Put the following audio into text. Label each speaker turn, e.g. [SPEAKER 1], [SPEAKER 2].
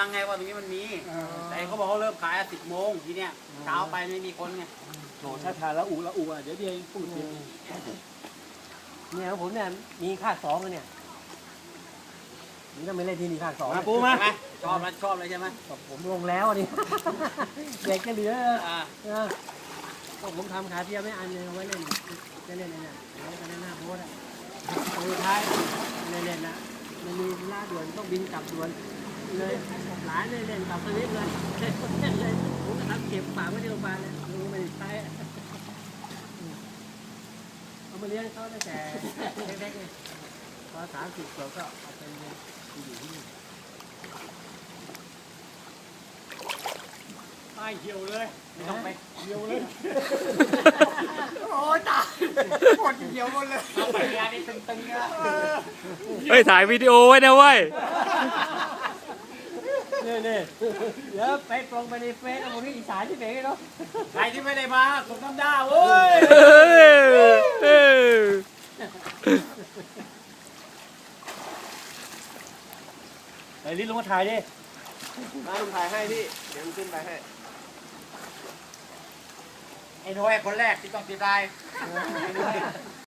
[SPEAKER 1] ไงว่าตรงนี้มันมีแต่เขาบอกเขาเริ่มขาย10 โมงทีเนี้ยเช้าไปไม่มีคนไง
[SPEAKER 2] โหถ้าทานละอูอ่ะเดี๋ยวเองพูดเองเนี่ยของผมเนี่ยมีภาค2แล้วเนี่ยนี่ต้องไปเล่นที่นี่ภาค2
[SPEAKER 1] มาปูมาชอบมันชอบเลยใช่ไหม
[SPEAKER 2] ผมลงแล้วนี่ เด็กจะเหลือ
[SPEAKER 1] อ่า
[SPEAKER 2] ก็ผมทำขาเทียมไม่อันเลยไว้เล่นจะเล่นอะไรเนี่ยแล้วก็หน้าโพสอ่ะสุดท้ายเล่นนะมันมีล่าด่วนต้องบินกลับด่วนเลยหลานเล่นกับสวิตเลยเล่นเลยผมก็ทำเก็บฝากไว้ที่โรงพยาบาลเลยลุงไม่ได้ใช้เอามาเลี้ยงเขาตั้งแต่เล็กๆเลยพอ30 ขวบก็เอาไปเลี้ยงอยู่ที่นี่
[SPEAKER 1] ไอ้เหี่ยวเลยไม่ต้องไป
[SPEAKER 2] เดียวเลย
[SPEAKER 1] โอ้ยตายหมดเหี่ยวหมดเลยเอาไปงานนี่ตึงๆนะ
[SPEAKER 3] เฮ้ยถ่ายวิดีโอไว้นะเว้ย
[SPEAKER 2] นี่เดี๋ยวไปลงไปในเฟซเอาผมนี่อีสานที่ไหนกันเนาะ
[SPEAKER 1] ใครที่ไม่ได้มาผมน้ำด้าเว้ย
[SPEAKER 2] ไปรีบลงมาถ่ายดิ
[SPEAKER 4] มาลุงถ่ายให้พี่เดี๋ยวลุงขึ้นไปให้
[SPEAKER 1] ไอ้น้อยคนแรกที่ต้องติดลาย